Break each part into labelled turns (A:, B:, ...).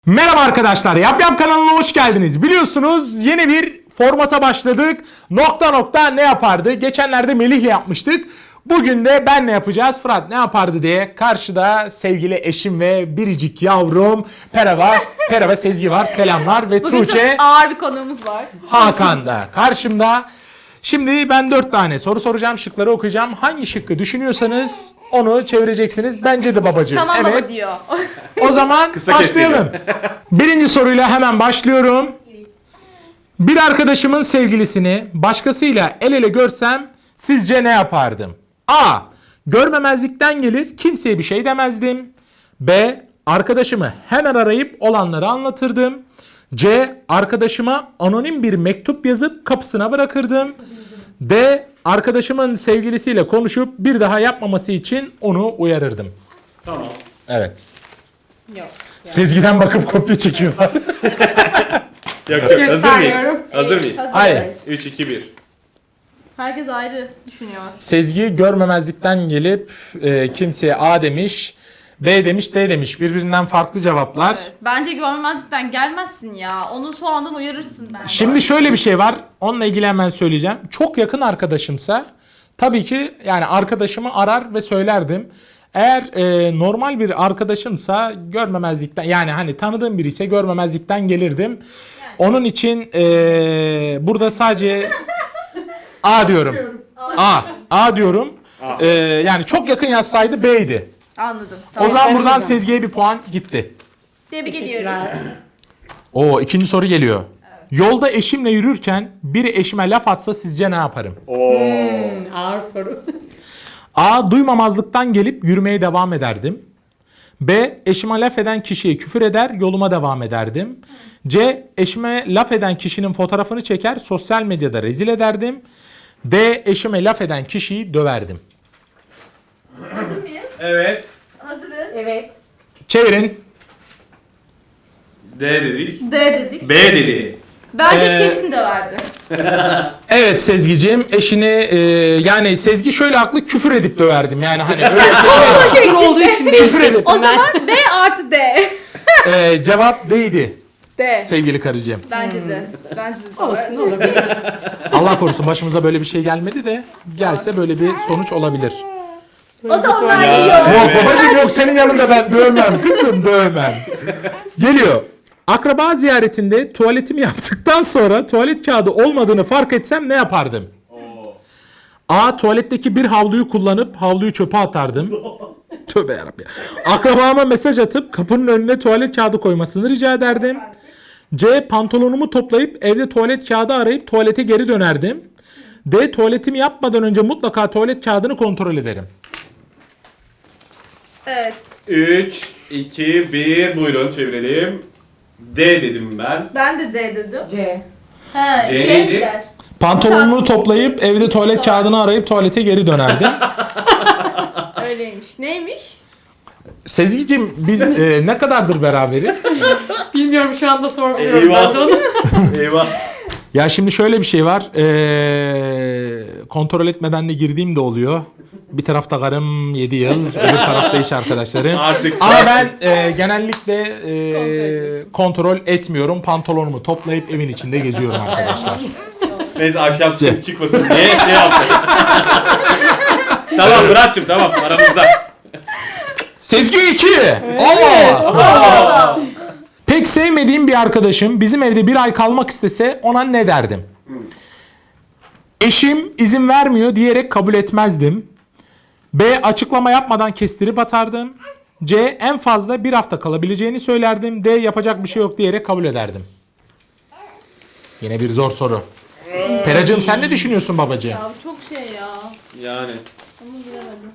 A: Merhaba arkadaşlar, Yap Yap kanalına hoş geldiniz. Biliyorsunuz yeni bir formata başladık. Nokta nokta ne yapardı? Geçenlerde Melih'le yapmıştık. Bugün de ben ne yapacağız? Fırat ne yapardı diye karşıda sevgili eşim ve biricik yavrum Pera ve Sezgi var. Selamlar ve
B: Bugün
A: Tuğçe,
B: çok ağır bir konuğumuz var.
A: Hakan da karşımda. Şimdi ben 4 tane soru soracağım, şıkları okuyacağım. Hangi şıkkı düşünüyorsanız onu çevireceksiniz. Bence de babacığım.
B: Tamam
A: Evet.
B: baba diyor.
A: O zaman başlayalım. Birinci soruyla hemen başlıyorum. Bir arkadaşımın sevgilisini başkasıyla el ele görsem sizce ne yapardım? A. Görmemezlikten gelir, kimseye bir şey demezdim. B. Arkadaşımı hemen arayıp olanları anlatırdım. C. Arkadaşıma anonim bir mektup yazıp kapısına bırakırdım. D. Arkadaşımın sevgilisiyle konuşup bir daha yapmaması için onu uyarırdım.
C: Tamam.
A: Evet.
B: Yok.
A: Sezgiden bakıp kopya çekiyorlar.
C: Yok yok, hazır mıyız? Hazır mıyız?
B: Hazırız.
A: Hayır.
C: 3, 2, 1.
B: Herkes ayrı düşünüyor.
A: Sezgi görmemezlikten gelip kimseye A demiş, B demiş, D demiş. Birbirinden farklı cevaplar.
B: Evet. Bence görmezlikten gelmezsin ya. Onu sonradan uyarırsın bence.
A: Şimdi şöyle bir şey var. Onunla ilgili hemen söyleyeceğim. Çok yakın arkadaşımsa tabii ki yani arkadaşımı arar ve söylerdim. Eğer normal bir arkadaşımsa görmemezlikten yani hani tanıdığım biri ise görmemezlikten gelirdim. Onun için burada sadece A diyorum. A diyorum. Yani çok yakın yazsaydı B'ydi.
B: Anladım.
A: O
B: Tamam.
A: zaman buradan Sezgi'ye bir puan gitti.
B: Tebrik ediyoruz.
A: Oo, ikinci soru geliyor. Yolda eşimle yürürken biri eşime laf atsa sizce ne yaparım?
D: Ağır soru.
A: A. Duymamazlıktan gelip yürümeye devam ederdim. B. Eşime laf eden kişiye küfür eder, yoluma devam ederdim. C. Eşime laf eden kişinin fotoğrafını çeker, sosyal medyada rezil ederdim. D. Eşime laf eden kişiyi döverdim.
B: Hazır mıyız?
C: Evet.
B: Hazırız.
D: Evet.
A: Çevirin.
C: D dedik.
B: D dedik.
C: B dedi.
B: Bence kesin döverdi.
A: Evet Sezgi'ciğim, eşini yani Sezgi şöyle haklı, küfür edip döverdim. Yani hani öyle
D: O şey olduğu için
A: Küfür edin.
D: değiştirdim
B: O zaman B artı D.
A: cevap D'ydi
B: D.
A: sevgili karıcığım.
B: Bence de. Bence de.
D: Olsun, olabilir.
A: Allah korusun başımıza böyle bir şey gelmedi de gelse böyle bir sonuç olabilir.
B: O da onlar
C: Ya.
B: yiyor.
A: Yok
C: Evet.
A: babacığım, yok senin yanında ben dövmem kızım, dövmem. Geliyor. Akraba ziyaretinde tuvaletimi yaptıktan sonra tuvalet kağıdı olmadığını fark etsem ne yapardım? A. Tuvaletteki bir havluyu kullanıp havluyu çöpe atardım. Tövbe yarabbim. Akrabama mesaj atıp kapının önüne tuvalet kağıdı koymasını rica ederdim. C. Pantolonumu toplayıp evde tuvalet kağıdı arayıp tuvalete geri dönerdim. D. Tuvaletimi yapmadan önce mutlaka tuvalet kağıdını kontrol ederim.
B: Evet.
C: 3, 2, 1. Buyurun çevirelim. D dedim ben.
B: Ben de D dedim.
D: C.
B: He,
C: C
B: şey
C: neydi?
B: der.
A: Pantolonumu toplayıp evde tuvalet kağıdını arayıp tuvalete geri dönerdim.
B: Öyleymiş. Neymiş?
A: Sezgi'cim biz ne kadardır beraberiz?
D: Bilmiyorum, şu anda sormuyorum ben
C: Eyvah.
D: de onu.
C: Eyvah.
A: Ya şimdi şöyle bir şey var. Kontrol etmeden de girdiğim de oluyor. Bir tarafta karım 7 yıl, öbür tarafta iş arkadaşlarım.
C: Artık.
A: Ama ben genellikle kontrol etmiyorum. Pantolonumu toplayıp evin içinde geziyorum arkadaşlar.
C: Neyse akşam sıkıntı çıkmasın. Ne yaptın? Tamam Murat'cığım, tamam aramızda.
A: Sezgi 2. Allah. Pek sevmediğim bir arkadaşım bizim evde bir ay kalmak istese ona ne derdim? Eşim izin vermiyor diyerek kabul etmezdim. B. Açıklama yapmadan kestirip atardım. C. En fazla bir hafta kalabileceğini söylerdim. D. Yapacak bir şey yok diyerek kabul ederdim. Yine bir zor soru. Peracığım sen ne düşünüyorsun babacığım?
B: Ya bu çok şey ya.
C: Yani.
B: Onu bilemedim.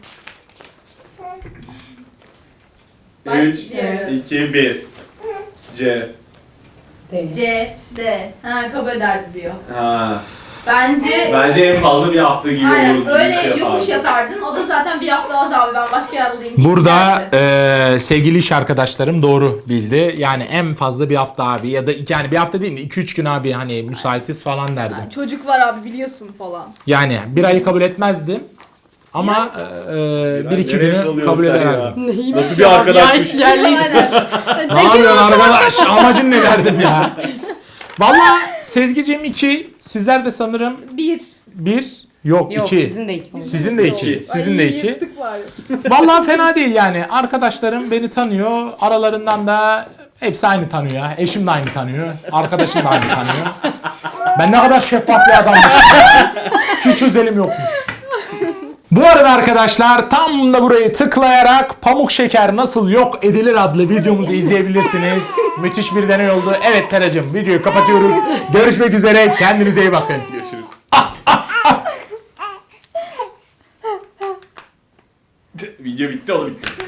C: 3,
B: Başlayalım.
C: 2, 1. C.
B: C, D. Ha, kabul ederdi diyor.
C: Ha.
B: Bence
C: Bence en fazla bir hafta gibi
B: aynen
C: oluruz.
B: öyle yokuş yapardın. O da zaten bir hafta az abi, ben başka yer bulayım. deyip
A: Burada
B: giderdi.
A: sevgili iş arkadaşlarım doğru bildi. Yani en fazla bir hafta abi ya da yani bir hafta değil de 2-3 gün abi hani müsaitiz falan derdim.
B: Çocuk var abi biliyorsun falan.
A: Yani bir ayı kabul etmezdim. Ama bir iki
C: nereye
A: günü
C: kalıyorsun
A: kabul
C: sen
A: ederdim.
D: Neymiş
C: Nasıl bir
D: ya?
C: arkadaşmış?
D: Yerleşmiş.
A: Ne yapıyorsun arkadaş? Amacın ne derdim ya? Valla Sezgiciğim 2. Sizler de sanırım 1. Yok
D: Yok
A: 2.
D: sizin de iki.
A: Sizin de 2. Sizin de 2.
B: Yırtık var.
A: Vallahi fena değil yani. Arkadaşlarım beni tanıyor. Aralarından da hepsi aynı tanıyor. Eşim de aynı tanıyor. Arkadaşım da aynı tanıyor. Ben ne kadar şeffaf bir adammışım. Hiç özelim yokmuş. Bu arada arkadaşlar tam da burayı tıklayarak pamuk şeker nasıl yok edilir adlı videomuzu izleyebilirsiniz. Müthiş bir deney oldu. Evet Teracığım videoyu kapatıyoruz. Görüşmek üzere. Kendinize iyi bakın.
C: Görüşürüz. Video bitti, o da bitti.